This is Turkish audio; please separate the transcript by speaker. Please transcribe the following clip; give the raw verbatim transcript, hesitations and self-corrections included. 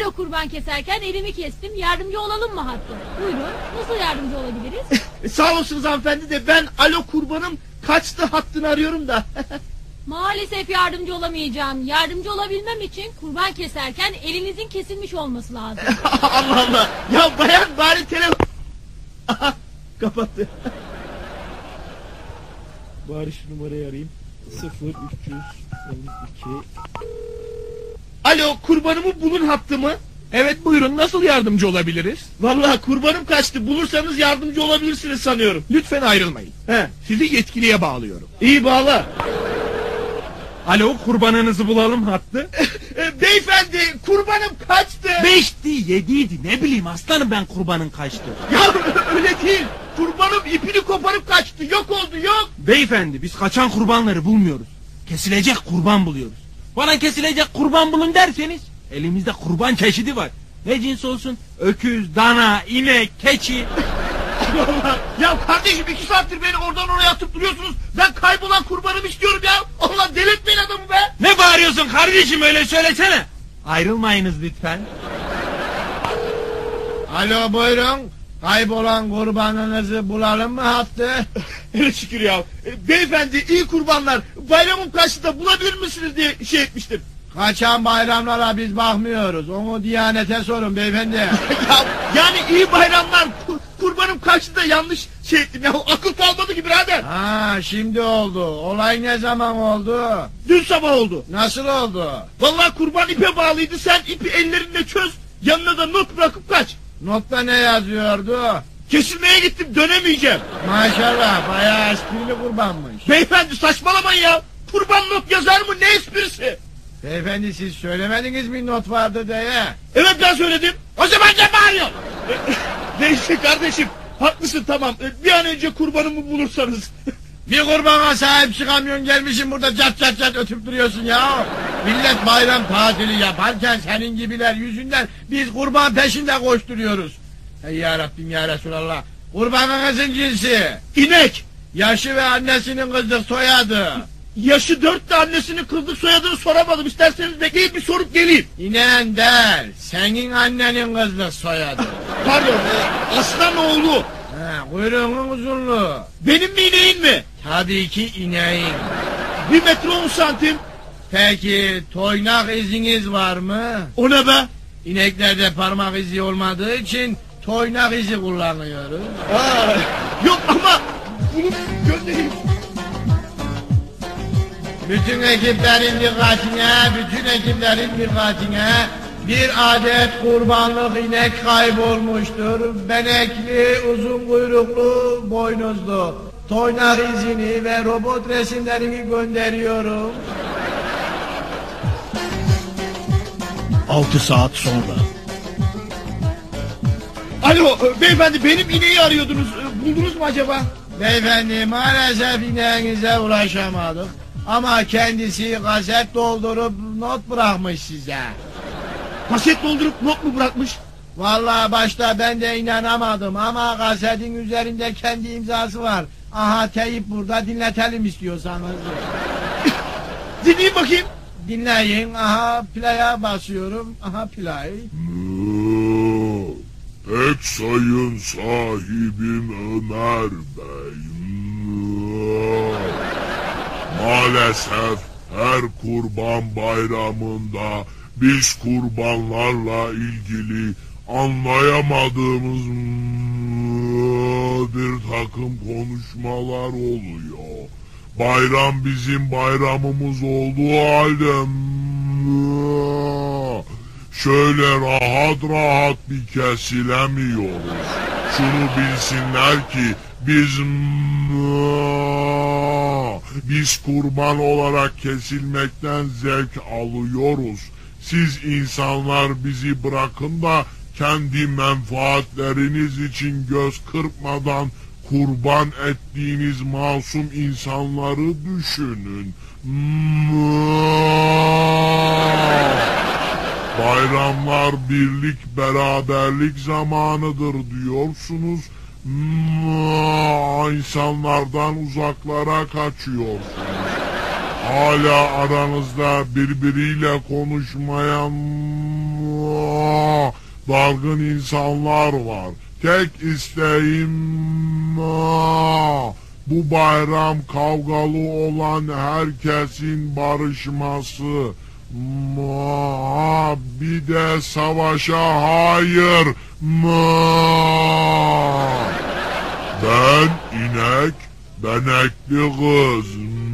Speaker 1: Alo kurban keserken elimi kestim. Yardımcı olalım mı hattı? Buyurun. Nasıl yardımcı olabiliriz?
Speaker 2: Sağ olasınız hanımefendi de ben alo kurbanım kaçtı hattını arıyorum da.
Speaker 1: Maalesef yardımcı olamayacağım. Yardımcı olabilmem için kurban keserken elinizin kesilmiş olması lazım.
Speaker 2: Allah Allah. Ya bayan bari telefon... Aha, kapattı. Bari şu numarayı arayayım. sıfır üç yüz elli iki. Alo kurbanımı bulun hattı mı?
Speaker 3: Evet buyurun, nasıl yardımcı olabiliriz?
Speaker 2: Vallahi kurbanım kaçtı, bulursanız yardımcı olabilirsiniz sanıyorum.
Speaker 3: Lütfen ayrılmayın.
Speaker 2: He.
Speaker 3: Sizi yetkiliye bağlıyorum.
Speaker 2: İyi bağla.
Speaker 3: Alo, kurbanınızı bulalım hattı.
Speaker 2: E, beyefendi kurbanım kaçtı.
Speaker 3: Beşti, yediydi, ne bileyim aslanım ben kurbanın kaçtı.
Speaker 2: Ya öyle değil. Kurbanım ipini koparıp kaçtı. Yok oldu, yok.
Speaker 3: Beyefendi biz kaçan kurbanları bulmuyoruz. Kesilecek kurban buluyoruz. Bana kesilecek kurban bulun derseniz elimizde kurban çeşidi var. Ne cins olsun? Öküz, dana, inek, keçi.
Speaker 2: Allah. Ya kardeşim iki saattir beni oradan oraya atıp duruyorsunuz. Ben kaybolan kurbanımı istiyorum ya. Allah delirtmeyin adamı be.
Speaker 3: Ne bağırıyorsun kardeşim, öyle söylesene. Ayrılmayınız lütfen.
Speaker 4: Alo buyurun. Kaybolan kurbanınızı bulalım mı hattı?
Speaker 2: Hele şükür ya. E, beyefendi iyi kurbanlar. Bayramım kaçtı da bulabilir misiniz diye şey etmiştim.
Speaker 4: Kaçan bayramlara biz bakmıyoruz. Onu Diyanet'e sorun beyefendi.
Speaker 2: ya, yani iyi bayramlar. Kur, kurbanım kaçtı da yanlış şey ettim ya. Akıl kalmadı ki birader.
Speaker 4: Ha şimdi oldu. Olay ne zaman oldu?
Speaker 2: Dün sabah oldu.
Speaker 4: Nasıl oldu?
Speaker 2: Vallahi kurban ipe bağlıydı. Sen ipi ellerinde çöz. Yanına da not bırakıp kaç.
Speaker 4: Notta ne yazıyordu?
Speaker 2: Kesilmeye gittim, dönemeyeceğim.
Speaker 4: Maşallah bayağı esprili kurbanmış.
Speaker 2: Beyefendi saçmalamayın ya. Kurban not yazar mı, ne esprisi?
Speaker 4: Beyefendi siz söylemediniz mi not vardı diye?
Speaker 2: Evet ben söyledim. O zaman ne bağırıyor? Neyse kardeşim, haklısın, tamam. Bir an önce kurbanımı bulursanız.
Speaker 4: Bir kurbana sahip çıkamıyorsun, gelmişsin burada cat cat cat ötüp duruyorsun ya. Millet bayram tatili yaparken senin gibiler yüzünden biz kurban peşinde koşturuyoruz. Ey ya Rabbim ya Resulallah. Kurbanınızın cinsi?
Speaker 2: İnek.
Speaker 4: Yaşı ve annesinin kızlık soyadı?
Speaker 2: Yaşı dört de annesinin kızlık soyadını soramadım. İsterseniz bekleyin bir sorup geleyim.
Speaker 4: İnen der. Senin annenin kızlık soyadı.
Speaker 2: Pardon, e, aslan oğlu.
Speaker 4: Ha, kuyruğunun uzunluğu.
Speaker 2: Benim mi ineğin mi?
Speaker 4: Tabii ki ineğin.
Speaker 2: Bir metre on santim.
Speaker 4: Peki toynak iziniz var mı?
Speaker 2: O ne be?
Speaker 4: İneklerde parmak izi olmadığı için toynak izi kullanıyoruz.
Speaker 2: Aa, yok ama bunu göndereyim.
Speaker 4: Bütün ekiplerin dikkatine, bütün ekiplerin dikkatine, bir adet kurbanlık inek kaybolmuştur. Benekli, uzun kuyruklu, boynuzlu. Toynak izini ve robot resimlerini gönderiyorum.
Speaker 2: Altı saat sonra. Alo beyefendi, benim ineği arıyordunuz. Buldunuz mu acaba?
Speaker 4: Beyefendi maalesef ineğinize ulaşamadık. Ama kendisi kaset doldurup not bırakmış size.
Speaker 2: Kaset doldurup not mu bırakmış?
Speaker 4: Vallahi başta ben de inanamadım ama kasetin üzerinde kendi imzası var. Aha teyip burada, dinletelim istiyorsanız.
Speaker 2: Dinleyin bakayım.
Speaker 4: Dinleyin, aha play'a basıyorum, aha play.
Speaker 5: Pek sayın sahibim Ömer Bey. Maalesef her kurban bayramında biz kurbanlarla ilgili anlayamadığımız bir takım konuşmalar oluyor. Bayram bizim bayramımız olduğu halde şöyle rahat rahat bir kesilemiyoruz. Şunu bilsinler ki biz biz kurban olarak kesilmekten zevk alıyoruz. Siz insanlar bizi bırakın da kendi menfaatleriniz için göz kırpmadan kurban ettiğiniz masum insanları düşünün. Bayramlar birlik beraberlik zamanıdır diyorsunuz. İnsanlardan uzaklara kaçıyorsunuz. Hala aranızda birbiriyle konuşmayan dalgın insanlar var. Tek isteğim aa, bu bayram kavgalı olan herkesin barışması. Aa, bir de savaşa hayır. Aa. Ben inek, benekli kız.